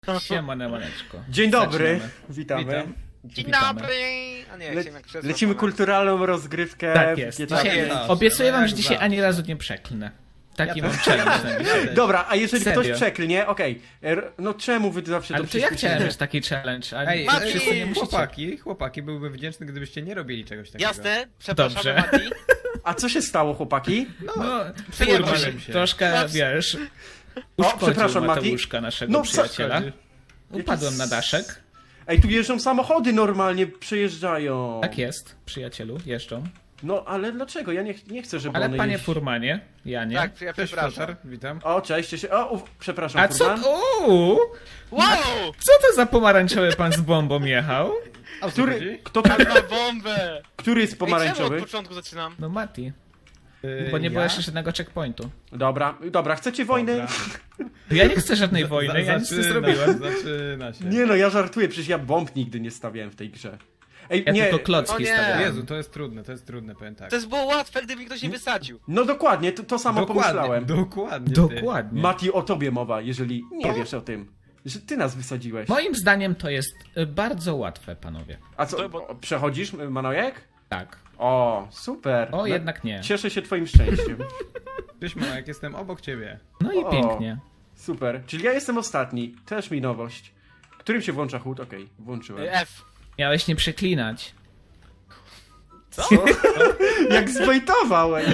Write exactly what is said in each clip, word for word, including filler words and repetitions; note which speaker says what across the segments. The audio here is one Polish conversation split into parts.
Speaker 1: Siema, Nemaneczko.
Speaker 2: Dzień dobry,
Speaker 1: Zaczynamy.
Speaker 2: witamy.
Speaker 1: Witam.
Speaker 3: Dzień
Speaker 1: Witamy.
Speaker 3: dobry! A nie,
Speaker 2: Le
Speaker 3: chciałem jak krzesło
Speaker 2: lecimy
Speaker 3: ponad.
Speaker 2: kulturalną rozgrywkę.
Speaker 1: Tak jest.
Speaker 2: G T A
Speaker 1: Dzisiaj,
Speaker 2: pięć.
Speaker 3: jest.
Speaker 1: obiecuję
Speaker 3: No
Speaker 1: wam,
Speaker 3: jak
Speaker 1: że dzisiaj
Speaker 3: zawsze.
Speaker 1: ani razu nie przeklnę. Taki
Speaker 4: Ja
Speaker 1: mam
Speaker 4: też.
Speaker 1: challenge na dzisiaj.
Speaker 2: Dobra, a jeżeli
Speaker 1: Serio?
Speaker 2: ktoś przeklnie, okej. R- No czemu wy zawsze
Speaker 1: Ale
Speaker 2: to
Speaker 1: to ja
Speaker 2: przyspieszycie?
Speaker 1: chciałem mieć taki challenge, a
Speaker 4: Ej,
Speaker 3: Mati!
Speaker 1: wszyscy nie
Speaker 4: ej,
Speaker 1: musicie.
Speaker 4: chłopaki, chłopaki, byłbym wdzięczny, gdybyście nie robili czegoś takiego.
Speaker 3: Jasne, przepraszam,
Speaker 1: Dobrze.
Speaker 3: Mati.
Speaker 2: A co się stało, chłopaki?
Speaker 1: No,
Speaker 3: Przyjemnie
Speaker 1: kurwa,
Speaker 4: się.
Speaker 1: troszkę,
Speaker 3: Masz-
Speaker 1: wiesz,
Speaker 2: O,
Speaker 1: uszkodził
Speaker 2: przepraszam, Mati.
Speaker 1: Mateuszka, naszego
Speaker 2: No, co
Speaker 1: przyjaciela.
Speaker 4: chodzi?
Speaker 1: Upadłem na daszek.
Speaker 2: Ej, tu jeżdżą samochody normalnie, przejeżdżają.
Speaker 1: Tak jest, przyjacielu, jeżdżą.
Speaker 2: No, ale dlaczego? Ja nie, ch- nie chcę, żeby
Speaker 1: Ale
Speaker 2: one
Speaker 1: panie
Speaker 2: jeździ-
Speaker 1: furmanie, ja nie.
Speaker 3: Tak, ja
Speaker 4: Cześć,
Speaker 3: przepraszam.
Speaker 4: Flotar, witam.
Speaker 2: O, cześć, cześć. O, uf, przepraszam,
Speaker 1: A co,
Speaker 2: furman.
Speaker 1: uuu,
Speaker 3: Wow!
Speaker 1: co to za pomarańczowy pan z bombą jechał?
Speaker 4: A o co
Speaker 2: Który,
Speaker 4: chodzi?
Speaker 2: kto,
Speaker 3: Pan ma bombę!
Speaker 2: który jest
Speaker 3: Ej, czemu od
Speaker 2: pomarańczowy?
Speaker 3: początku zaczynam?
Speaker 1: No Mati,
Speaker 4: Yy,
Speaker 1: bo nie było
Speaker 4: ja?
Speaker 1: jeszcze żadnego checkpointu.
Speaker 2: Dobra, dobra, chcecie wojny?
Speaker 4: Dobra.
Speaker 1: Ja nie chcę żadnej wojny,
Speaker 4: Za-
Speaker 1: ja nic nie
Speaker 4: zaczyna-
Speaker 1: zrobiłem.
Speaker 4: Zaczyna się.
Speaker 2: Nie no, ja żartuję, przecież ja bomb nigdy nie stawiałem w tej grze. Ej,
Speaker 1: Ja
Speaker 2: nie,
Speaker 1: tylko
Speaker 3: O
Speaker 1: klocki
Speaker 3: nie.
Speaker 1: stawiałem.
Speaker 4: Jezu, to jest trudne, to jest trudne, powiem tak.
Speaker 3: To jest było łatwe, gdyby ktoś nie wysadził.
Speaker 2: no dokładnie, to, to samo pomyślałem.
Speaker 4: dokładnie. ty.
Speaker 1: Dokładnie.
Speaker 2: Mati, o tobie mowa, jeżeli nie
Speaker 3: O.
Speaker 2: wiesz o tym. Że ty nas wysadziłeś.
Speaker 1: Moim zdaniem to jest y, bardzo łatwe, panowie.
Speaker 2: A co,
Speaker 3: To bo-
Speaker 2: o, przechodzisz, Manojek?
Speaker 1: Tak.
Speaker 2: O, super.
Speaker 1: O,
Speaker 2: No,
Speaker 1: jednak nie.
Speaker 2: Cieszę się twoim szczęściem.
Speaker 4: Cześć, jak jestem obok ciebie.
Speaker 1: No i
Speaker 2: O.
Speaker 1: pięknie.
Speaker 2: Super. Czyli ja jestem ostatni. Też mi nowość. Którym się włącza chód? Okej, włączyłem.
Speaker 3: F.
Speaker 1: Miałeś nie przeklinać.
Speaker 3: Co?
Speaker 2: Jak zbejtował, ej.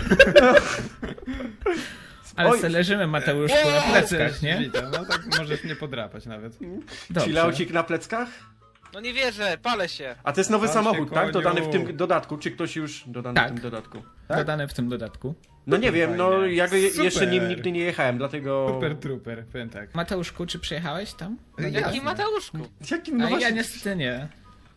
Speaker 1: Ale
Speaker 2: Oj.
Speaker 1: se leżymy, Mateuszku, na
Speaker 3: Wow.
Speaker 1: plecach, nie?
Speaker 4: Witam, no tak możesz mnie podrapać nawet.
Speaker 1: Dobrze.
Speaker 2: Chilaucik na pleckach?
Speaker 3: No nie wierzę, palę się.
Speaker 2: A to jest nowy
Speaker 4: Tam
Speaker 2: samochód,
Speaker 4: się
Speaker 2: tak?
Speaker 4: koniu.
Speaker 2: Dodany w tym dodatku. Czy ktoś już dodany
Speaker 1: Tak.
Speaker 2: w tym dodatku?
Speaker 1: Dodane w tym dodatku.
Speaker 2: No nie wiem, no
Speaker 4: Fajnie.
Speaker 2: ja go je, jeszcze
Speaker 4: Super.
Speaker 2: nim nigdy nie jechałem, dlatego...
Speaker 4: Super trooper, powiem tak.
Speaker 1: Mateuszku, czy przyjechałeś tam? No,
Speaker 4: Jasne.
Speaker 3: Jaki Mateuszku?
Speaker 2: Jakim, no
Speaker 1: A ja
Speaker 2: właśnie...
Speaker 1: niestety nie.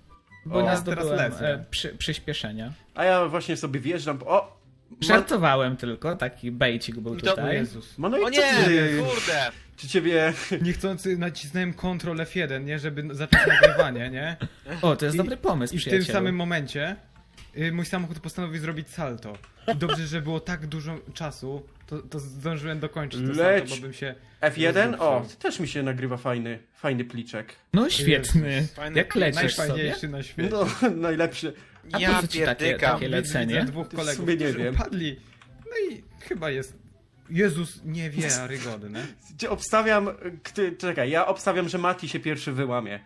Speaker 1: Bo
Speaker 2: O,
Speaker 1: nie
Speaker 4: teraz
Speaker 1: zdobyłem
Speaker 4: lecę.
Speaker 1: e, przy, przyspieszenia.
Speaker 2: A ja właśnie sobie wjeżdżam... O! Ma...
Speaker 1: Żartowałem tylko, taki bejcik był
Speaker 3: To-
Speaker 4: O
Speaker 1: tutaj.
Speaker 4: Jezus.
Speaker 2: Mano i
Speaker 3: O
Speaker 2: co
Speaker 3: nie,
Speaker 2: ty?
Speaker 3: kurde.
Speaker 2: Czy ciebie...
Speaker 4: Niechcący nacisnąłem Ctrl F jeden, nie? Żeby zacząć nagrywanie, nie?
Speaker 1: O, to jest
Speaker 4: I-
Speaker 1: dobry pomysł,
Speaker 4: I w tym
Speaker 1: przyjacielu.
Speaker 4: samym momencie y, mój samochód postanowił zrobić salto. I dobrze, że było tak dużo czasu, to, to zdążyłem dokończyć to
Speaker 2: Leć.
Speaker 4: salto, bo bym się...
Speaker 2: F jeden? O,
Speaker 4: rozdupił.
Speaker 2: też mi się nagrywa fajny, fajny pliczek.
Speaker 1: No świetny.
Speaker 3: Fajny
Speaker 1: Jak lecisz sobie?
Speaker 4: Najfajniejszy na świecie.
Speaker 2: No, najlepszy.
Speaker 1: A po
Speaker 3: Ja
Speaker 1: co ci takie-
Speaker 3: pierdykam.
Speaker 1: takie lecenie?
Speaker 4: Widzę dwóch
Speaker 2: W
Speaker 4: kolegów,
Speaker 2: sumie nie
Speaker 4: którzy
Speaker 2: wiem.
Speaker 4: upadli. No i chyba jest... Jezus niewiarygodny.
Speaker 2: Gdzie obstawiam... Kty, czekaj, ja obstawiam, że Mati się pierwszy wyłamie.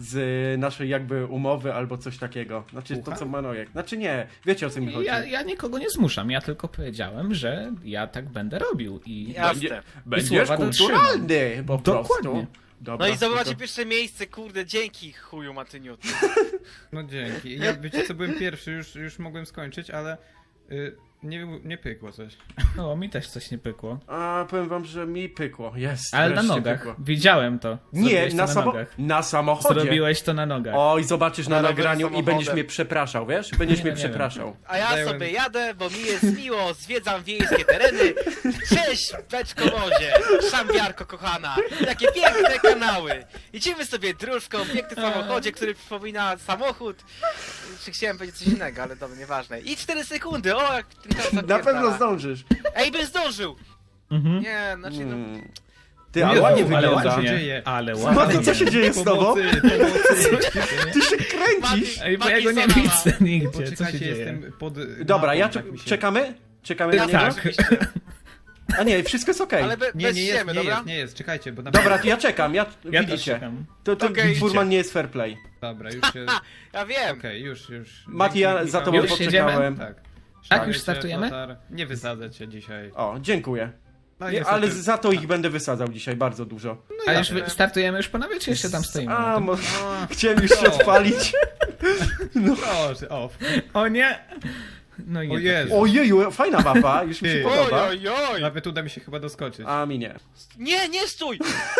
Speaker 2: Z naszej jakby umowy albo coś takiego. Znaczy to
Speaker 4: Słucham?
Speaker 2: co Manojek. Znaczy nie, wiecie o co mi chodzi.
Speaker 1: Ja, ja nikogo nie zmuszam, ja tylko powiedziałem, że ja tak będę robił i...
Speaker 3: Jasne.
Speaker 2: Będziesz
Speaker 1: słowa
Speaker 2: kulturalny po
Speaker 1: Dokładnie.
Speaker 2: prostu. Dobra,
Speaker 3: No i zdobywacie
Speaker 2: to-
Speaker 3: pierwsze miejsce, kurde, dzięki chuju Matyniu.
Speaker 4: No dzięki. Ja wiecie co, byłem pierwszy, już, już mogłem skończyć, ale y, nie, nie pykło coś.
Speaker 1: No, mi też coś nie pykło.
Speaker 2: A powiem wam, że mi pykło. Jest.
Speaker 1: Ale na
Speaker 2: wreszcie
Speaker 1: nogach.
Speaker 2: Pykło.
Speaker 1: Widziałem to.
Speaker 2: Nie,
Speaker 1: Zrobiłeś to
Speaker 2: na,
Speaker 1: na
Speaker 2: samo...
Speaker 1: nogach.
Speaker 2: na samochodzie.
Speaker 1: Zrobiłeś to na nogach.
Speaker 2: Oj, zobaczysz na
Speaker 3: Na
Speaker 2: nagraniu i
Speaker 3: samochodem.
Speaker 2: będziesz mnie przepraszał, wiesz? Będziesz
Speaker 1: Nie,
Speaker 2: mnie
Speaker 1: no nie wiem.
Speaker 2: przepraszał.
Speaker 3: A ja
Speaker 4: Zająłem-
Speaker 3: sobie jadę, bo mi jest miło, zwiedzam wiejskie tereny. Cześć, beczko wozie, szambiarko kochana, jakie piękne kanały. Idziemy sobie dróżką, piękny samochodzie, który przypomina samochód. Czy chciałem powiedzieć coś innego, ale dobra, nieważne. I cztery sekundy, o jak ten czas
Speaker 2: Na
Speaker 3: zapierdala.
Speaker 2: pewno zdążysz.
Speaker 3: Ej, bym zdążył!
Speaker 1: Mhm.
Speaker 3: Nie, znaczy no...
Speaker 2: Hmm. Ty, ale
Speaker 4: Jezu,
Speaker 2: ładnie
Speaker 4: ale
Speaker 2: wygląda.
Speaker 4: ładnie.
Speaker 1: ładnie,
Speaker 4: dzieje?
Speaker 1: ale
Speaker 2: Mati,
Speaker 1: ładnie.
Speaker 2: co się dzieje z tobą?
Speaker 4: Pomocy, pomocy.
Speaker 2: Ty się kręcisz.
Speaker 1: Ej, bo ja
Speaker 3: Mati
Speaker 1: go nie
Speaker 3: Salama.
Speaker 1: widzę nigdzie, co się
Speaker 4: Poczekajcie,
Speaker 1: dzieje?
Speaker 4: jestem pod...
Speaker 2: Dobra,
Speaker 4: mapą,
Speaker 2: ja
Speaker 4: tak
Speaker 2: czek-
Speaker 4: mi się-
Speaker 2: czekamy? Czekamy na
Speaker 3: Tak,
Speaker 2: niego?
Speaker 3: oczywiście.
Speaker 2: A nie, wszystko jest okej.
Speaker 3: Ale be,
Speaker 4: Nie,
Speaker 3: bez
Speaker 4: nie jest,
Speaker 3: ściemy,
Speaker 4: nie
Speaker 3: dobra?
Speaker 4: jest, nie jest, czekajcie, bo na
Speaker 2: Dobra, to ja czekam, ja,
Speaker 1: Ja też
Speaker 2: widzicie.
Speaker 1: czekam.
Speaker 2: To, to
Speaker 3: Okej,
Speaker 2: furman
Speaker 3: idźcie.
Speaker 2: nie jest fair play.
Speaker 4: Dobra, już się...
Speaker 3: Ja wiem.
Speaker 4: Okej, już, już.
Speaker 2: Mati, ja
Speaker 4: Dzięki,
Speaker 2: za
Speaker 4: Michał.
Speaker 2: tobą
Speaker 1: Już
Speaker 2: poczekałem.
Speaker 4: Tak.
Speaker 1: Tak,
Speaker 4: Szanujcie,
Speaker 1: już startujemy?
Speaker 4: Flotar. Nie wysadzę cię dzisiaj.
Speaker 2: O, dziękuję.
Speaker 4: No,
Speaker 2: Nie,
Speaker 4: niestety-
Speaker 2: ale za to ich będę wysadzał dzisiaj bardzo dużo.
Speaker 1: A już
Speaker 3: jasne.
Speaker 1: wy- startujemy już panowie, czy jeszcze tam stoimy?
Speaker 2: A,
Speaker 1: na
Speaker 2: mo-
Speaker 1: tym?
Speaker 2: chciałem już się
Speaker 4: O.
Speaker 2: odpalić.
Speaker 4: Proszę, o.
Speaker 1: O nie! No i
Speaker 4: O
Speaker 1: nie
Speaker 4: Jezu.
Speaker 2: Ojeju, fajna mapa, już mi się
Speaker 4: Ty.
Speaker 3: Oj,
Speaker 2: podoba.
Speaker 3: oj, oj!
Speaker 4: Nawet uda mi się chyba doskoczyć.
Speaker 2: A mi nie.
Speaker 3: Nie, nie stój!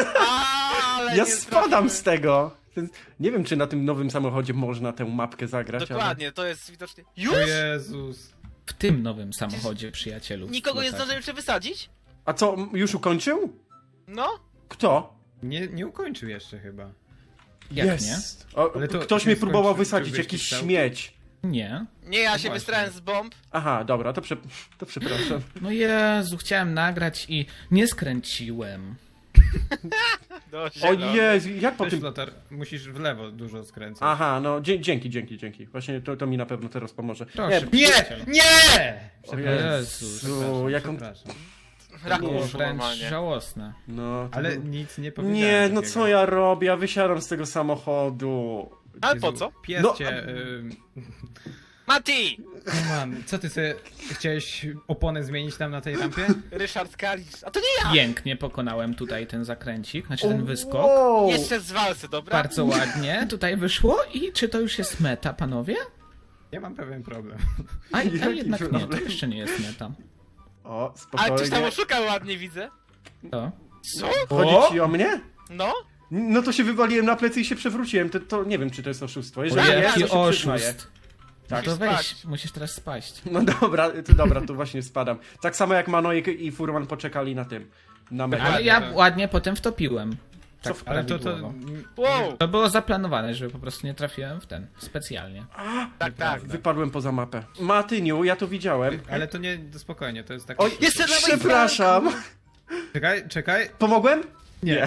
Speaker 3: Ale
Speaker 2: Ja
Speaker 3: nie
Speaker 2: spadam
Speaker 3: zdążyłem.
Speaker 2: z tego. Ten- Nie wiem, czy na tym nowym samochodzie można tę mapkę zagrać,
Speaker 3: Dokładnie, to jest widocznie...
Speaker 4: O
Speaker 3: Już?
Speaker 4: Jezus.
Speaker 1: W tym nowym samochodzie, przyjacielu.
Speaker 3: Nikogo nie
Speaker 1: Flotar.
Speaker 3: zdążyłem jeszcze wysadzić?
Speaker 2: ale... A co, m- już ukończył?
Speaker 3: No?
Speaker 2: Kto?
Speaker 4: Nie, nie ukończył jeszcze chyba.
Speaker 1: Jak
Speaker 2: Jest. O,
Speaker 4: Ale to-
Speaker 2: ktoś
Speaker 4: czy
Speaker 2: mnie próbował
Speaker 4: skończy-
Speaker 2: wysadzić,
Speaker 4: czy
Speaker 2: jakiś
Speaker 4: wyścig
Speaker 2: śmieć.
Speaker 1: nie? Nie.
Speaker 3: Nie, ja się
Speaker 4: właśnie.
Speaker 3: wystrałem z bomb.
Speaker 2: Aha, dobra, to, prze... to przepraszam.
Speaker 1: No Jezu, chciałem nagrać i nie skręciłem.
Speaker 3: Do
Speaker 2: O
Speaker 3: zielony.
Speaker 2: Jezu, jak po
Speaker 4: Cześć,
Speaker 2: tym...
Speaker 4: Flotar, musisz w lewo dużo skręcać.
Speaker 2: Aha, no dzie dzięki, dzięki, dzięki. Właśnie to, to mi na pewno teraz pomoże.
Speaker 1: Proszę.
Speaker 2: Nie,
Speaker 4: Nie!
Speaker 1: przyjaciel.
Speaker 4: Nie!
Speaker 2: O
Speaker 1: Jezus,
Speaker 2: Jezu, jak on...
Speaker 4: Przepraszam.
Speaker 3: Raku
Speaker 1: Było
Speaker 3: poszło
Speaker 1: wręcz
Speaker 3: normalnie.
Speaker 1: żałosne.
Speaker 2: No, to
Speaker 4: Ale
Speaker 2: był-
Speaker 4: nic nie powiedziałem.
Speaker 2: Nie, no
Speaker 4: takiego.
Speaker 2: co ja robię? Ja wysiadam z tego samochodu.
Speaker 3: Ale
Speaker 4: Jezu,
Speaker 3: po co?
Speaker 4: Pies
Speaker 2: No,
Speaker 4: cię...
Speaker 2: a-
Speaker 4: y,
Speaker 3: Mati!
Speaker 4: No man, co ty sobie... Chciałeś oponę zmienić tam na tej rampie?
Speaker 3: Ryszard Kalisz. A to nie ja!
Speaker 1: Pięknie pokonałem tutaj ten zakręcik, znaczy ten wyskok.
Speaker 2: Wow.
Speaker 3: Jeszcze z walce, dobra?
Speaker 1: Bardzo ładnie tutaj wyszło i czy to już jest meta, panowie?
Speaker 4: Ja mam pewien problem.
Speaker 1: A, a
Speaker 2: Jaki
Speaker 1: jednak nie, to
Speaker 2: problem?
Speaker 1: jeszcze nie jest meta.
Speaker 2: O,
Speaker 3: Ale ktoś tam
Speaker 2: spokojnie.
Speaker 3: oszukał ładnie, widzę.
Speaker 1: To?
Speaker 3: Co?
Speaker 2: Chodzi ci o mnie?
Speaker 3: No?
Speaker 2: No to się wywaliłem na plecy i się przewróciłem. To, to nie wiem, czy to jest oszustwo.
Speaker 1: O,
Speaker 2: Jeżeli
Speaker 3: ja-
Speaker 2: jest,
Speaker 1: jaki
Speaker 2: to się przyznaję.
Speaker 1: oszust. No
Speaker 3: Musisz
Speaker 1: to weź,
Speaker 3: spać.
Speaker 1: musisz teraz spaść.
Speaker 2: No dobra, to dobra, to właśnie spadam. Tak samo jak Manojek i Furman poczekali na tym. Na mecie.
Speaker 1: Ale
Speaker 4: Ładnie,
Speaker 1: ja
Speaker 4: to-
Speaker 1: ładnie potem wtopiłem. Tak
Speaker 2: Co-
Speaker 4: Ale to... to
Speaker 1: prawidłowo.
Speaker 3: Wow!
Speaker 1: To było zaplanowane, żeby po prostu nie trafiłem w ten, specjalnie.
Speaker 3: Tak, tak.
Speaker 2: Wypadłem poza mapę. Matyniu, ja to widziałem.
Speaker 4: Ale to nie... spokojnie, to jest tak...
Speaker 2: Oj,
Speaker 3: Jeszcze na
Speaker 2: przepraszam.
Speaker 4: Czekaj, czekaj.
Speaker 2: Pomogłem?
Speaker 4: Nie.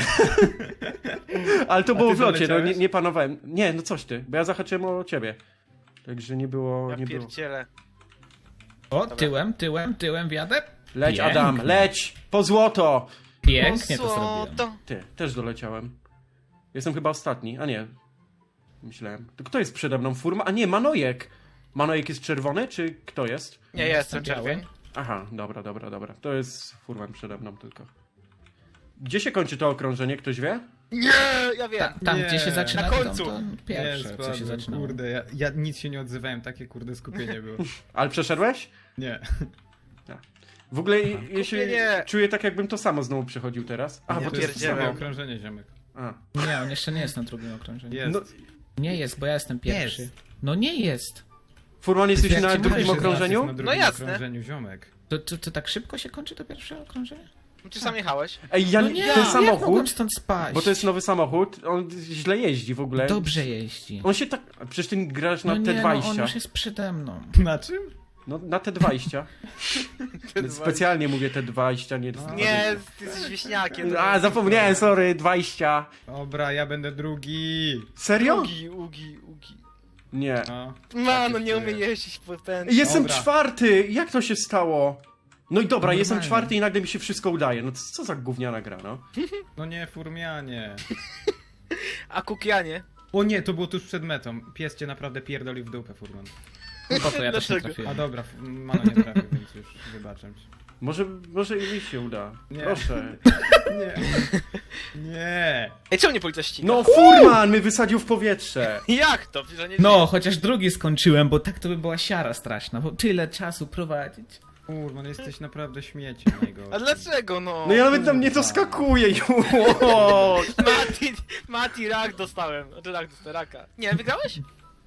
Speaker 2: Ale to było
Speaker 4: ty
Speaker 2: w locie, no
Speaker 4: doleciałeś?
Speaker 2: nie, nie panowałem. Nie, no coś ty, bo ja zahaczyłem o ciebie. Także nie było,
Speaker 3: Ja
Speaker 2: nie było.
Speaker 3: pierdzielę.
Speaker 1: O, tyłem, tyłem, tyłem wjadę.
Speaker 2: Leć
Speaker 1: Pięknie.
Speaker 2: Adam, leć! Po złoto!
Speaker 1: Pięknie to
Speaker 3: O,
Speaker 1: zrobiłem.
Speaker 3: to.
Speaker 2: Ty, też doleciałem. Jestem chyba ostatni, a nie. Myślałem. To kto jest przede mną? Furma? A nie, Manojek. Manojek jest czerwony, czy kto jest?
Speaker 3: Nie, ja jestem
Speaker 1: Biały.
Speaker 3: czerwień.
Speaker 2: Aha, dobra, dobra, dobra. To jest Furman przede mną tylko. Gdzie się kończy to okrążenie, ktoś wie?
Speaker 3: Nie, ja wiem.
Speaker 1: Ta, tam,
Speaker 4: Nie.
Speaker 1: gdzie się zaczyna
Speaker 3: Na
Speaker 1: dom,
Speaker 3: końcu.
Speaker 1: to pierwsze, co się
Speaker 4: spadłem,
Speaker 1: zaczynało.
Speaker 4: Kurde, ja, ja nic się nie odzywałem, takie kurde skupienie było.
Speaker 2: Ale przeszedłeś?
Speaker 4: Nie.
Speaker 2: W ogóle jeśli
Speaker 3: Kupienie.
Speaker 2: czuję tak, jakbym to samo znowu przechodził teraz. A,
Speaker 4: nie,
Speaker 2: bo
Speaker 4: to
Speaker 2: to jest
Speaker 4: jest
Speaker 3: pierdzielę.
Speaker 4: samo
Speaker 2: samo.
Speaker 4: okrążenie, ziomek.
Speaker 2: A.
Speaker 1: Nie, on jeszcze nie jest na drugim okrążeniu.
Speaker 4: Jest.
Speaker 2: No,
Speaker 1: Nie jest, bo ja jestem pierwszy.
Speaker 4: Jest.
Speaker 1: No nie jest.
Speaker 2: Furman, jesteś
Speaker 1: Jak
Speaker 2: na
Speaker 1: ci
Speaker 2: drugim
Speaker 1: mówię, że
Speaker 4: Jest
Speaker 2: okrążeniu?
Speaker 4: na drugim
Speaker 3: No jasne.
Speaker 4: okrążeniu, ziomek.
Speaker 1: To, to, to tak szybko się kończy to pierwsze okrążenie?
Speaker 3: Ty sam jechałeś.
Speaker 2: Ej, ja
Speaker 1: No nie,
Speaker 2: ten
Speaker 1: jak mogłem
Speaker 2: samochód,
Speaker 1: stąd spaść?
Speaker 2: bo to jest nowy samochód, on źle jeździ w ogóle.
Speaker 1: Dobrze jeździ.
Speaker 2: On się tak... a Przecież ty grasz na
Speaker 1: No
Speaker 2: T
Speaker 1: nie, no on
Speaker 2: dwadzieścia.
Speaker 1: już jest przede mną.
Speaker 4: Na czym?
Speaker 2: No, na T dwadzieścia. Specjalnie mówię T dwadzieścia, nie...
Speaker 4: No.
Speaker 3: Nie, ty jesteś wieśniakiem.
Speaker 2: A, zapomniałem, sorry, dwadzieścia.
Speaker 4: Dobra, ja będę drugi.
Speaker 2: Serio?
Speaker 3: Ugi, ugi, ugi.
Speaker 2: Nie.
Speaker 4: No.
Speaker 3: Mano, nie umie jeździć po ten.
Speaker 2: Jestem
Speaker 4: Dobra.
Speaker 2: czwarty! Jak to się stało? No i dobra,
Speaker 1: Normalnie.
Speaker 2: jestem czwarty i nagle mi się wszystko udaje. No co za gówniana gra, no?
Speaker 4: No nie, furmianie.
Speaker 3: A Kukianie?
Speaker 4: O nie, to było tuż przed metą. Pies cię naprawdę pierdolił w dupę, furman.
Speaker 1: Po to ja też nie
Speaker 3: Dlaczego?
Speaker 4: A
Speaker 1: trafiłem.
Speaker 4: dobra, f- Mano nie trafił, więc już wybaczam ci.
Speaker 2: Może, może i mi się uda.
Speaker 4: Nie.
Speaker 2: Proszę.
Speaker 4: Nie. Nie.
Speaker 3: Ej, czemu nie policja ściga?
Speaker 2: No Furman mnie wysadził w powietrze.
Speaker 3: Jak to? Że nie
Speaker 1: No, chociaż drugi skończyłem, bo tak to by była siara straszna, bo tyle czasu prowadzić.
Speaker 4: Kurwa, no jesteś naprawdę śmieciem
Speaker 3: A
Speaker 4: najgorszym.
Speaker 3: dlaczego no?
Speaker 2: No ja nawet tam nie doskakuję już.
Speaker 3: Mati, Mati, rak dostałem. Znaczy rak dostałem, raka. Nie, wygrałeś?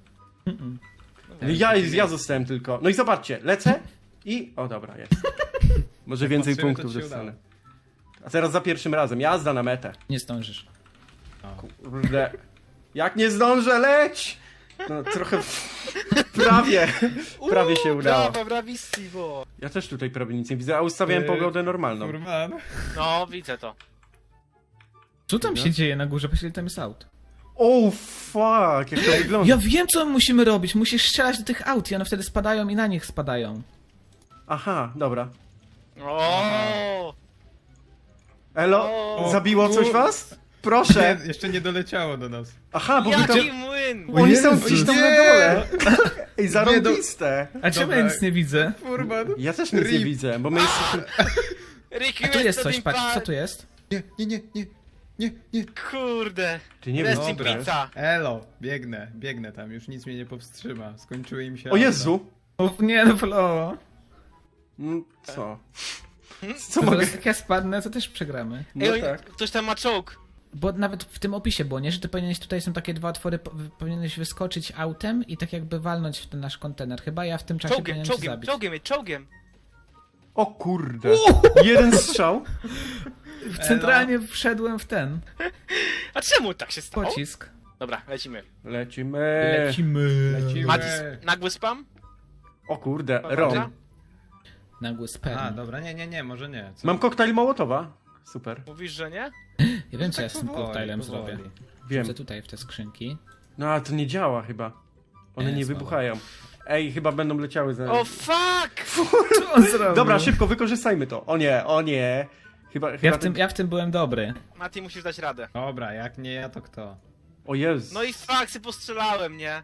Speaker 2: Ja, ja zostałem tylko. No i zobaczcie, lecę i... O dobra, jest. Może więcej
Speaker 4: patrzymy,
Speaker 2: punktów
Speaker 4: to ci się
Speaker 2: dostanę. A teraz za pierwszym razem, jazda na metę.
Speaker 1: Nie zdążysz.
Speaker 2: Kurde. Jak nie zdążę, leć! No trochę... Prawie. Prawie się udało.
Speaker 3: Brawa, bravissimo.
Speaker 2: Ja też tutaj prawie nic nie widzę, a ustawiałem
Speaker 4: Yy,
Speaker 2: pogodę normalną.
Speaker 4: Furman.
Speaker 3: No, widzę to.
Speaker 1: Co tam
Speaker 2: Dobra.
Speaker 1: się dzieje na górze? Patrz, ile tam jest aut.
Speaker 2: Oh fuck, jak to wygląda.
Speaker 1: Ja wiem, co musimy robić. Musisz strzelać do tych aut i one wtedy spadają i na nich spadają.
Speaker 2: Aha, dobra.
Speaker 3: O,
Speaker 2: Elo,
Speaker 3: O,
Speaker 2: zabiło coś
Speaker 4: kur-
Speaker 2: was? Proszę.
Speaker 4: Nie, jeszcze nie doleciało do nas.
Speaker 2: Aha, bo wy tam...
Speaker 3: Jaki młyn!
Speaker 2: Oni są
Speaker 4: Jezus.
Speaker 2: gdzieś tam na
Speaker 4: Nie.
Speaker 2: dole. Ej, zarąbiste.
Speaker 1: A czemu ja
Speaker 4: Dobra.
Speaker 1: nic nie widzę?
Speaker 4: Furman.
Speaker 2: Ja też nic nie
Speaker 4: Rip.
Speaker 2: widzę, bo my jesteśmy...
Speaker 3: Ricky
Speaker 1: A tu jest
Speaker 3: West
Speaker 1: coś,
Speaker 3: in
Speaker 1: patrz,
Speaker 3: Park.
Speaker 1: co tu jest?
Speaker 4: Nie, nie, nie, nie, nie, nie.
Speaker 3: Kurde.
Speaker 2: Ty nie wiesz,
Speaker 3: Rest in
Speaker 2: co to jest.
Speaker 3: pizza.
Speaker 4: Elo, biegnę, biegnę tam, już nic mnie nie powstrzyma. Skończyły im się
Speaker 2: O
Speaker 4: auta.
Speaker 2: Jezu!
Speaker 1: O, nie, no flow.
Speaker 2: Mm, Co? Co
Speaker 1: To
Speaker 2: mogę...
Speaker 1: teraz jak ja spadnę, to też przegramy.
Speaker 2: No
Speaker 3: Ej,
Speaker 2: tak.
Speaker 3: ktoś tam ma czołg.
Speaker 1: Bo nawet w tym opisie było, nie? Że ty powinieneś, tutaj są takie dwa otwory, po- powinieneś wyskoczyć autem i tak jakby walnąć w ten nasz kontener. Chyba ja w tym czasie
Speaker 3: Czołgiem,
Speaker 1: powinienem cię
Speaker 3: czołgiem,
Speaker 1: zabić.
Speaker 3: czołgiem, czołgiem.
Speaker 2: O kurde. Jeden strzał.
Speaker 1: Centralnie wszedłem w ten
Speaker 3: A czemu tak się stało?
Speaker 1: pocisk.
Speaker 3: Dobra, lecimy.
Speaker 2: Lecimy.
Speaker 1: Lecimy.
Speaker 4: Lecimy.
Speaker 3: Mati, nagły spam?
Speaker 2: O kurde,
Speaker 3: Dobra.
Speaker 2: Rom.
Speaker 1: Nagły sperm.
Speaker 4: A, dobra, nie, nie, nie, może nie. Co?
Speaker 2: Mam koktajl Mołotowa. Super.
Speaker 3: Mówisz, że nie?
Speaker 1: Ja wiem, co ja z tym
Speaker 4: Powoli,
Speaker 1: portalem
Speaker 4: powoli.
Speaker 1: zrobię.
Speaker 2: Wiem.
Speaker 1: Wrzucę tutaj w te skrzynki.
Speaker 2: No ale to nie działa chyba. One
Speaker 1: Nie,
Speaker 2: nie
Speaker 1: słabo.
Speaker 2: wybuchają. Ej, chyba będą leciały za...
Speaker 3: O fuck!
Speaker 1: Co on zrobił?
Speaker 2: Dobra, szybko, wykorzystajmy to. O nie, o nie. Chyba, chyba
Speaker 1: Ja w, tym, ja w tym byłem dobry.
Speaker 3: Mati, musisz dać radę.
Speaker 4: Dobra, jak nie ja, to kto?
Speaker 2: O Jezu.
Speaker 3: No i faksy postrzelałem, nie?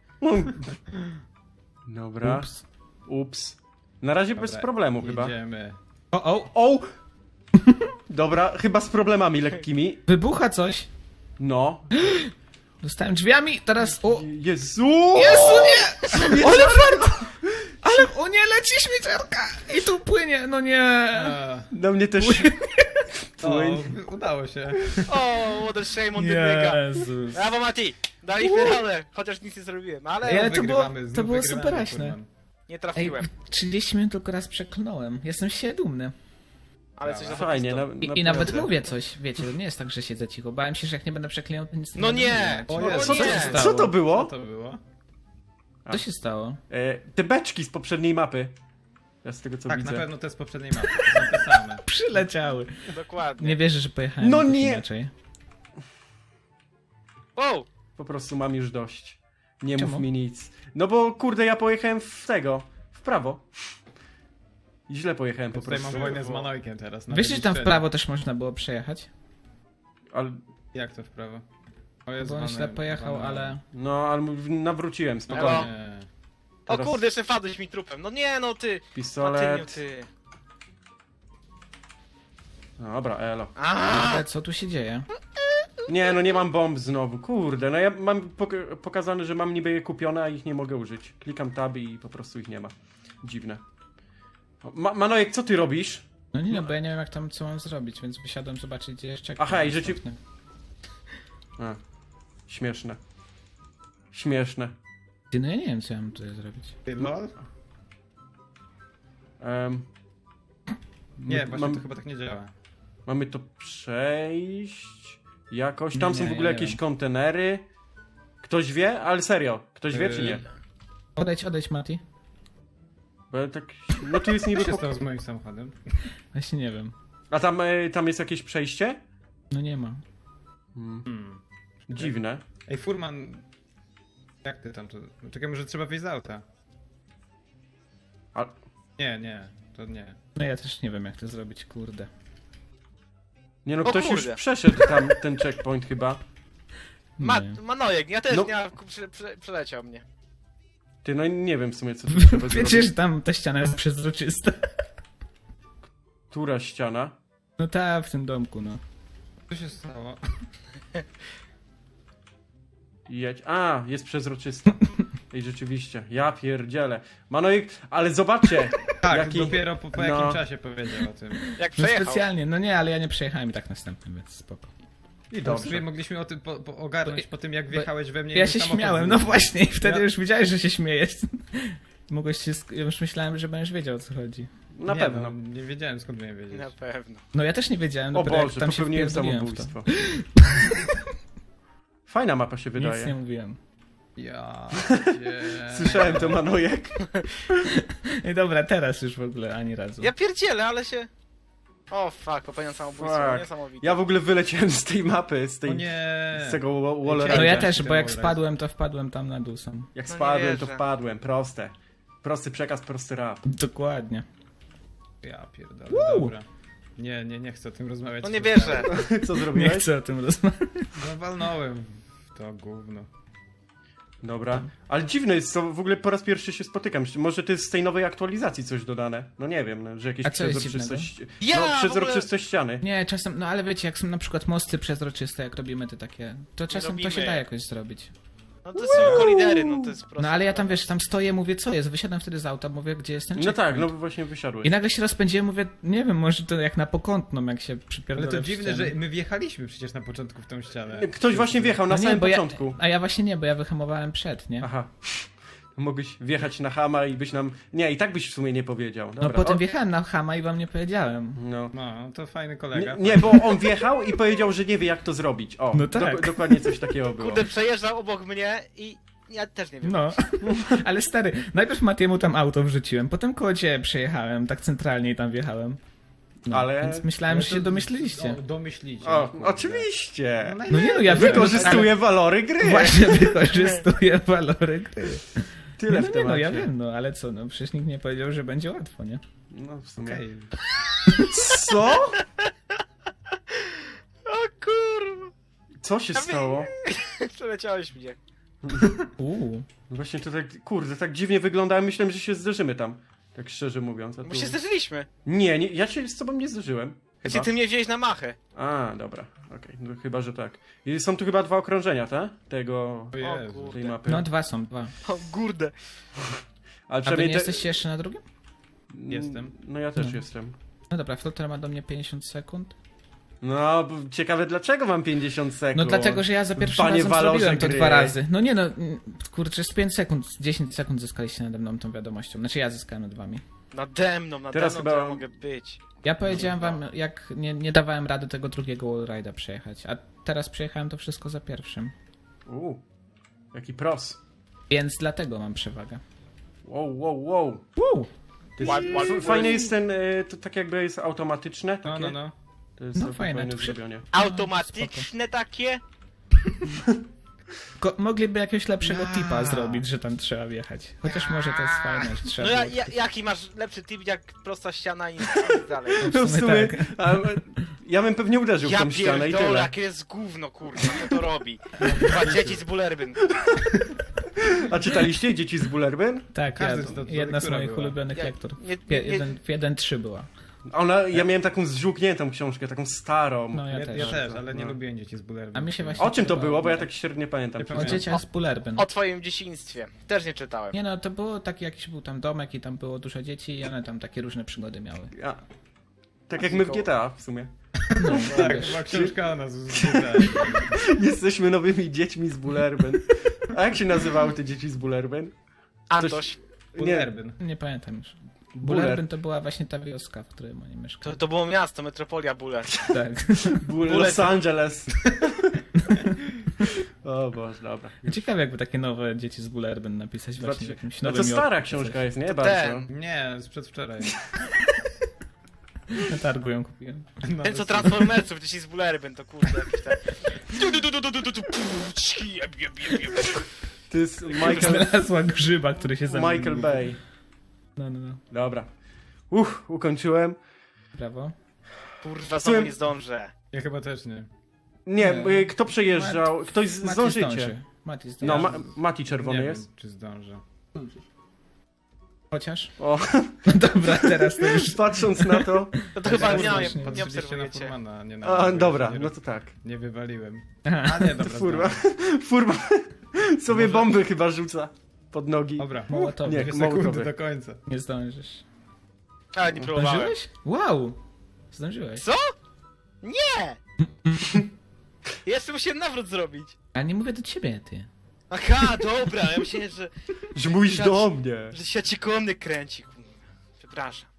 Speaker 2: Dobra.
Speaker 1: Ups.
Speaker 2: Ups. Na razie bez
Speaker 4: Dobra,
Speaker 2: problemu chyba.
Speaker 4: Jedziemy.
Speaker 1: O, o,
Speaker 2: O! Dobra, chyba z problemami lekkimi.
Speaker 1: wybucha coś.
Speaker 2: No.
Speaker 1: Dostałem drzwiami, teraz... O,
Speaker 2: Jezu!
Speaker 1: Jezu, nie! Ale fart! Ale, o nie, leci śmieciarka! I tu płynie, no nie!
Speaker 4: A,
Speaker 2: Na mnie też...
Speaker 4: o,
Speaker 2: Płyń.
Speaker 4: udało się.
Speaker 3: O, what a shame on the nigga.
Speaker 1: Jezus.
Speaker 3: Brawo, Mati! Daliśmy radę, chociaż nic nie zrobiłem, ale
Speaker 1: Ja- Ale to było-
Speaker 4: Wygrywamy,
Speaker 1: to
Speaker 4: znów
Speaker 1: było
Speaker 4: wygrywamy,
Speaker 1: superaśne.
Speaker 4: kurwa.
Speaker 3: nie
Speaker 1: Ej,
Speaker 3: trafiłem.
Speaker 1: trzydzieści minut tylko raz przeklnąłem. Jestem się dumny.
Speaker 3: Ale coś za
Speaker 2: Fajnie, na,
Speaker 1: I, I nawet mówię coś, wiecie, to nie jest tak, że siedzę cicho. Bałem się, że jak nie będę przeklinał, to nic nie
Speaker 3: No
Speaker 1: będę
Speaker 3: nie!
Speaker 1: mówić.
Speaker 4: O Jezu,
Speaker 2: Co to,
Speaker 3: nie.
Speaker 2: się
Speaker 1: stało?
Speaker 2: co to było?
Speaker 4: Co to było?
Speaker 1: Co się stało?
Speaker 2: E, te beczki z poprzedniej mapy. Ja z tego co
Speaker 4: Tak,
Speaker 2: widzę.
Speaker 4: na pewno te z poprzedniej mapy, to są te same.
Speaker 1: Przyleciały.
Speaker 3: Dokładnie.
Speaker 1: Nie wierzę, że pojechałem
Speaker 2: No
Speaker 1: jakoś
Speaker 2: nie!
Speaker 1: inaczej.
Speaker 3: Wow!
Speaker 2: Po prostu mam już dość. Nie
Speaker 1: Czemu?
Speaker 2: mów mi nic. No bo kurde, ja pojechałem w tego. W prawo. I źle pojechałem po
Speaker 4: Tutaj
Speaker 2: prostu.
Speaker 4: mam wojnę z Manojkiem teraz. na
Speaker 1: Wiesz, że tam w
Speaker 4: wyliczeniu.
Speaker 1: prawo też można było przejechać?
Speaker 2: Ale,
Speaker 4: Jak to w prawo? O Jezu,
Speaker 1: Bo on
Speaker 4: mamy-
Speaker 1: źle pojechał,
Speaker 4: mamy-
Speaker 1: ale...
Speaker 2: no, ale nawróciłem,
Speaker 3: Elo.
Speaker 2: spokojnie.
Speaker 4: Nie.
Speaker 3: O
Speaker 2: Teraz-
Speaker 3: kurde, jeszcze wpadłeś mi trupem. No nie, no ty! Matyniu,
Speaker 2: Pistolet.
Speaker 3: ty.
Speaker 2: Dobra, elo.
Speaker 3: Aaaa!
Speaker 1: Ale co tu się dzieje?
Speaker 2: Nie, no nie mam bomb znowu, kurde. No ja mam pok- pokazane, że mam niby je kupione, a ich nie mogę użyć. Klikam tab i po prostu ich nie ma. Dziwne. O, Ma Manojek, co ty robisz?
Speaker 1: No nie no, bo ja nie wiem jak tam co mam zrobić, więc wysiadłem zobaczyć gdzie jeszcze...
Speaker 2: Aha, i że ci-
Speaker 1: następny.
Speaker 2: A, śmieszne. Śmieszne.
Speaker 1: Ty, no ja nie wiem co ja mam tutaj zrobić.
Speaker 4: Ty, lol?
Speaker 2: Em,
Speaker 4: Nie,
Speaker 2: m-
Speaker 4: właśnie
Speaker 2: mam,
Speaker 4: to chyba tak nie działa.
Speaker 2: Mamy to przejść jakoś. Tam
Speaker 1: Nie,
Speaker 2: są w
Speaker 1: ja
Speaker 2: ogóle
Speaker 1: nie
Speaker 2: jakieś
Speaker 1: wiem.
Speaker 2: kontenery. Ktoś wie? Ale serio, ktoś wie czy nie?
Speaker 4: Yy,
Speaker 1: Odejdź, odejdź Mati.
Speaker 2: Bo ja tak... No tu jest
Speaker 4: Co
Speaker 2: niby...
Speaker 4: się
Speaker 2: pok-
Speaker 4: stało z moim samochodem?
Speaker 1: Właśnie nie wiem.
Speaker 2: A tam, e, tam jest jakieś przejście?
Speaker 1: No nie ma.
Speaker 2: Hmm.
Speaker 4: Hmm.
Speaker 2: Dziwne.
Speaker 4: Ej, Furman... Jak ty tam to... Czekaj, może trzeba wyjść z auta.
Speaker 2: A,
Speaker 4: Nie, nie, to nie.
Speaker 1: No ja też nie wiem jak to zrobić, kurde.
Speaker 2: nie no,
Speaker 3: O
Speaker 2: ktoś już
Speaker 3: kurde.
Speaker 2: przeszedł tam ten checkpoint chyba.
Speaker 3: Ma
Speaker 1: Nie.
Speaker 3: Manojek, ja też
Speaker 2: No.
Speaker 3: nie, prze, prze, przeleciał mnie.
Speaker 2: Ty, no nie wiem w sumie co tu trzeba
Speaker 1: Wiecie,
Speaker 2: zrobić.
Speaker 1: że tam ta ściana jest przezroczysta.
Speaker 2: Która ściana?
Speaker 1: No ta w tym domku, no.
Speaker 4: Co się stało?
Speaker 2: Jedź. A, jest przezroczysta. Ej, rzeczywiście. Ja pierdzielę. Manojek, ale zobaczcie!
Speaker 4: Tak,
Speaker 2: Jaki-
Speaker 4: dopiero po, po
Speaker 2: no.
Speaker 4: jakim czasie powiedział o tym.
Speaker 3: Jak
Speaker 1: No
Speaker 3: przejechał.
Speaker 1: specjalnie, no nie, ale ja nie przejechałem i tak następnym, więc spoko.
Speaker 2: I
Speaker 4: To w sumie
Speaker 2: dobrze.
Speaker 4: mogliśmy o tym po, po ogarnąć
Speaker 1: Bo-
Speaker 4: po tym, jak
Speaker 1: bo-
Speaker 4: wjechałeś we mnie i
Speaker 1: Ja
Speaker 4: mój
Speaker 1: się
Speaker 4: samochód
Speaker 1: śmiałem, no
Speaker 4: wybuchł.
Speaker 1: właśnie, i wtedy
Speaker 4: Ja-
Speaker 1: już widziałeś, że się śmiejesz. Mogłeś się, sk- ja już myślałem, że będziesz wiedział o co chodzi.
Speaker 2: Na
Speaker 4: nie,
Speaker 2: pewno.
Speaker 4: No, nie wiedziałem skąd miałem wiedzieć.
Speaker 3: Na pewno.
Speaker 1: No ja też nie wiedziałem,
Speaker 2: O
Speaker 1: dopiero jak
Speaker 2: Boże,
Speaker 1: tam się
Speaker 2: popełniłem
Speaker 1: wpierdoliłem w to.
Speaker 2: samobójstwo. Fajna mapa się wydaje.
Speaker 1: Nic nie mówiłem.
Speaker 4: Ja cię...
Speaker 2: Słyszałem to, Manojek.
Speaker 1: I dobra, teraz już w ogóle ani razu.
Speaker 3: Ja pierdzielę, ale się... O fuck, popełniam samobójstwo,
Speaker 2: Fuck.
Speaker 3: niesamowite.
Speaker 2: Ja w ogóle wyleciałem z tej mapy, z tej...
Speaker 4: O nie!
Speaker 2: z tego wa- wall
Speaker 4: No
Speaker 1: No ja
Speaker 2: ride'a.
Speaker 1: też, bo jak
Speaker 4: Ten
Speaker 1: spadłem, to wpadłem tam na dół sam.
Speaker 2: Jak
Speaker 3: No nie
Speaker 2: spadłem, to
Speaker 3: wierzę.
Speaker 2: wpadłem. Proste. Prosty przekaz, prosty rap.
Speaker 1: Dokładnie.
Speaker 4: Ja pierdolę, dobra. Nie, nie, nie chcę o tym rozmawiać.
Speaker 3: No nie wierzę.
Speaker 2: Co
Speaker 1: Nie
Speaker 2: zrobiłeś?
Speaker 1: chcę o tym rozmawiać.
Speaker 4: No walnąłem w to gówno.
Speaker 2: Dobra. Ale dziwne jest, co w ogóle po raz pierwszy się spotykam. Może to jest z tej nowej aktualizacji coś dodane? No nie wiem, no, że jakieś
Speaker 1: A co jest
Speaker 2: przezroczystość...
Speaker 3: Ja,
Speaker 2: no,
Speaker 3: w
Speaker 2: przezroczystość ściany.
Speaker 1: Nie, czasem, no ale wiecie, jak są na przykład mosty przezroczyste, jak robimy te takie, to czasem to się
Speaker 3: robimy.
Speaker 1: da jakoś zrobić.
Speaker 3: No to są kolidery, no to jest proste.
Speaker 1: No ale ja tam, wiesz, tam stoję, mówię, co jest? Wysiadam wtedy z auta, mówię, gdzie jest ten
Speaker 2: No tak,
Speaker 1: checkpoint.
Speaker 2: no właśnie wysiadłeś.
Speaker 1: I nagle się rozpędziłem, mówię, nie wiem, może to jak na pokątną, jak się
Speaker 4: Ale
Speaker 1: przypierdolę
Speaker 4: to
Speaker 1: w
Speaker 4: dziwne,
Speaker 1: ścianę.
Speaker 4: że my wjechaliśmy przecież na początku w tą ścianę.
Speaker 2: Ktoś właśnie wjechał na
Speaker 1: No nie,
Speaker 2: samym
Speaker 1: bo ja,
Speaker 2: początku.
Speaker 1: a ja właśnie nie, bo ja wyhamowałem przed, nie?
Speaker 2: Aha. Mogłeś wjechać na Hama i byś nam... Nie, i tak byś w sumie nie powiedział. Dobra.
Speaker 1: No potem
Speaker 2: o...
Speaker 1: wjechałem na Hama i wam nie powiedziałem.
Speaker 2: No.
Speaker 4: No, to fajny
Speaker 2: Nie,
Speaker 4: kolega.
Speaker 2: nie, bo on wjechał i powiedział, że nie wie jak to zrobić. O,
Speaker 1: No tak.
Speaker 2: dok- dokładnie coś takiego było.
Speaker 3: Kurde, przejeżdżał obok mnie i ja też nie wiem.
Speaker 1: No, ale stary, najpierw Matiemu tam auto wrzuciłem, potem koło ciebie przejechałem, tak centralnie i tam wjechałem. No,
Speaker 2: Ale-
Speaker 1: Więc myślałem,
Speaker 4: Ale
Speaker 1: że
Speaker 4: to-
Speaker 1: się domyśliliście.
Speaker 4: O, domyślicie.
Speaker 2: O,
Speaker 4: kurde.
Speaker 2: oczywiście!
Speaker 4: No,
Speaker 1: No nie no, ja
Speaker 2: Wykorzystuję walory gry!
Speaker 1: ale Właśnie wykorzystuję walory gry.
Speaker 2: Tyle
Speaker 1: no,
Speaker 2: w
Speaker 1: nie no, ja
Speaker 2: temacie.
Speaker 1: wiem, no ale co, no przecież nikt nie powiedział, że będzie łatwo, nie?
Speaker 2: No w sumie.
Speaker 4: Okej.
Speaker 2: Co?
Speaker 3: O kurwa.
Speaker 2: Co się stało?
Speaker 3: Przeleciałeś mnie.
Speaker 1: Uuu.
Speaker 2: Właśnie to tak, kurde, tak dziwnie wygląda, myślałem, że się zderzymy tam. Tak szczerze mówiąc. A
Speaker 3: Bo
Speaker 2: tu...
Speaker 3: się zderzyliśmy.
Speaker 2: Nie, nie, ja się z tobą nie zderzyłem.
Speaker 3: Gdzie
Speaker 2: Chyba.
Speaker 3: ty mnie wziąłeś na machę?
Speaker 2: A, dobra, okej, no chyba, że tak. I są tu chyba dwa okrążenia, tak? Tego,
Speaker 4: O Jezu.
Speaker 3: kurde.
Speaker 2: tej mapy.
Speaker 1: No dwa są, dwa.
Speaker 3: O kurde.
Speaker 2: Ale
Speaker 1: A wy
Speaker 2: przynajmniej
Speaker 1: nie
Speaker 2: te...
Speaker 1: jesteście jeszcze na drugim?
Speaker 4: Jestem.
Speaker 2: No ja też
Speaker 1: No.
Speaker 2: jestem.
Speaker 1: No dobra, Flotter ma do mnie pięćdziesiąt sekund.
Speaker 2: No, bo ciekawe dlaczego mam pięćdziesiąt sekund.
Speaker 1: No dlatego, że ja za pierwszym
Speaker 2: Panie
Speaker 1: razem
Speaker 2: walorze
Speaker 1: zrobiłem to
Speaker 2: gry.
Speaker 1: dwa razy. No nie no, mm, kurczę, z pięć sekund, z dziesięć sekund zyskaliście nade mną tą wiadomością. Znaczy ja zyskałem nad wami.
Speaker 3: Nade mną, nade
Speaker 2: Teraz
Speaker 3: mną
Speaker 2: chyba-
Speaker 3: to ja mogę być.
Speaker 1: Ja powiedziałem wam, jak nie, nie dawałem rady tego drugiego wallride'a przejechać, a teraz przejechałem to wszystko za pierwszym.
Speaker 2: Uuu, jaki pros.
Speaker 1: Więc dlatego mam przewagę.
Speaker 2: Wow, wow, wow.
Speaker 1: Uuu.
Speaker 2: To jest,
Speaker 3: Ład- ład-
Speaker 2: f- fajne jest ten, y, to tak jakby jest automatyczne.
Speaker 4: No,
Speaker 2: Takie.
Speaker 4: no, no.
Speaker 2: To jest
Speaker 1: No,
Speaker 2: całkiem
Speaker 1: fajne,
Speaker 2: fajne
Speaker 1: to przy-
Speaker 2: zrobione.
Speaker 3: Automatyczne takie?
Speaker 1: Ko- mogliby jakiegoś lepszego
Speaker 4: Ja.
Speaker 1: tipa zrobić, że tam trzeba wjechać. Chociaż może to jest fajne, że trzeba
Speaker 3: No ja,
Speaker 1: było-
Speaker 3: ja, jaki masz lepszy tip jak prosta ściana i nic dalej?
Speaker 2: No w
Speaker 1: sumie
Speaker 2: sumie,
Speaker 1: tak.
Speaker 2: a, ja bym pewnie uderzył w
Speaker 3: Ja
Speaker 2: tą ścianę i
Speaker 3: pierdolę,
Speaker 2: tyle.
Speaker 3: jakie jest gówno, kurwa, co to robi? Dwa dzieci z Bullerbyn.
Speaker 2: A czytaliście Dzieci z Bullerbyn?
Speaker 1: Tak,
Speaker 4: Każdy
Speaker 1: ja,
Speaker 4: z nas-
Speaker 1: jedna z
Speaker 4: która
Speaker 1: moich
Speaker 4: była?
Speaker 1: ulubionych
Speaker 3: Ja-
Speaker 1: lektur.
Speaker 3: nie-
Speaker 1: Pie-
Speaker 3: nie-
Speaker 1: jeden, jeden trzy była.
Speaker 2: Ona, ja miałem taką zżółkniętą książkę, taką starą.
Speaker 1: No ja,
Speaker 4: Ja,
Speaker 1: też.
Speaker 4: ja też, ale nie
Speaker 2: No.
Speaker 4: lubiłem dzieci z Bullerbyn.
Speaker 1: A mi się właśnie
Speaker 2: O czym to
Speaker 1: podobało.
Speaker 2: było? Bo ja tak średnio pamiętam.
Speaker 4: Ja
Speaker 2: czy
Speaker 1: O
Speaker 2: nie.
Speaker 4: pamiętam.
Speaker 1: dzieciach z Bullerbyn.
Speaker 3: O twoim dzieciństwie. Też nie czytałem.
Speaker 1: Nie no, to było taki jakiś był tam domek i tam było dużo dzieci i one tam takie różne przygody miały.
Speaker 2: Ja. Tak jak my w G T A w sumie.
Speaker 1: No,
Speaker 4: Tak,
Speaker 1: wiesz.
Speaker 4: chyba książka o nas.
Speaker 2: Jesteśmy nowymi dziećmi z Bullerbyn. A jak się nazywały te dzieci z Bullerbyn?
Speaker 3: Antoś,
Speaker 2: Nie,
Speaker 4: Bullerbyn.
Speaker 1: Nie pamiętam już.
Speaker 2: Buller.
Speaker 1: Bullerbyn to była właśnie ta wioska, w której oni
Speaker 3: to,
Speaker 1: mieszkali.
Speaker 3: to było miasto, metropolia Buller.
Speaker 1: Tak.
Speaker 2: Bull
Speaker 3: Bullet.
Speaker 2: Los Angeles. O Boże, dobra.
Speaker 1: Ciekawe jakby takie nowe dzieci z Bullerbyn napisać właśnie w jakimś
Speaker 2: No
Speaker 1: nowym
Speaker 2: to stara
Speaker 1: Jorku czy
Speaker 2: książka
Speaker 1: coś.
Speaker 2: jest, nie?
Speaker 3: To
Speaker 2: Bardzo.
Speaker 3: ten.
Speaker 4: Nie, z przedwczoraj.
Speaker 1: Na targu ją kupiłem.
Speaker 4: No,
Speaker 3: Ten co
Speaker 4: to-
Speaker 3: Transformersów, dzieci z Bullerbyn, to kurde jakieś te... Du, du, du, du, du, du, du, du, pff, cii, jeb, jeb, jeb, jeb.
Speaker 2: To jest Michael,
Speaker 1: Znalazła grzyba, który się zamienił.
Speaker 2: Michael Bay.
Speaker 1: No, no, no.
Speaker 2: Dobra. Uff, ukończyłem.
Speaker 1: Brawo.
Speaker 3: Kurwa, znowu nie zdążę.
Speaker 4: Ja chyba też nie.
Speaker 2: Nie,
Speaker 1: Nie.
Speaker 2: y, kto przejeżdżał? Ktoś z-
Speaker 1: Mati
Speaker 2: zdążycie.
Speaker 1: zdąży. Mati zdąży.
Speaker 2: No, ma, Mati czerwony
Speaker 4: nie
Speaker 2: jest.
Speaker 4: wiem, czy zdążę.
Speaker 1: Chociaż?
Speaker 2: O,
Speaker 1: No dobra, teraz to już...
Speaker 2: patrząc na to.
Speaker 3: No to chyba
Speaker 1: Ja
Speaker 3: nie,
Speaker 1: zdążę.
Speaker 3: nie, nie
Speaker 4: Patrzyliście na
Speaker 3: obserwujecie.
Speaker 4: Furmana, nie na
Speaker 2: A,
Speaker 4: mnie,
Speaker 2: dobra,
Speaker 4: nie,
Speaker 2: no to tak.
Speaker 4: nie wywaliłem.
Speaker 1: Aha.
Speaker 4: A nie, dobra,
Speaker 2: Furman,
Speaker 4: zdążę.
Speaker 2: Furman sobie
Speaker 4: Może-
Speaker 2: bomby chyba rzuca pod nogi.
Speaker 4: Dobra,
Speaker 1: Mołotowy.
Speaker 2: Nie,
Speaker 4: dwie
Speaker 2: mołotowy.
Speaker 4: sekundy do końca.
Speaker 1: Nie zdążysz.
Speaker 3: Ale nie próbowałem.
Speaker 1: Zdążyłeś? Wow! Zdążyłeś.
Speaker 3: Co? Nie! Jeszcze musiałem nawrót zrobić.
Speaker 1: Ale nie mówię do ciebie, ty.
Speaker 3: Aha, dobra, ja myślałem, że,
Speaker 2: Że mówisz do mnie.
Speaker 3: że się ci koło mnie kręci. kurwa. Przepraszam.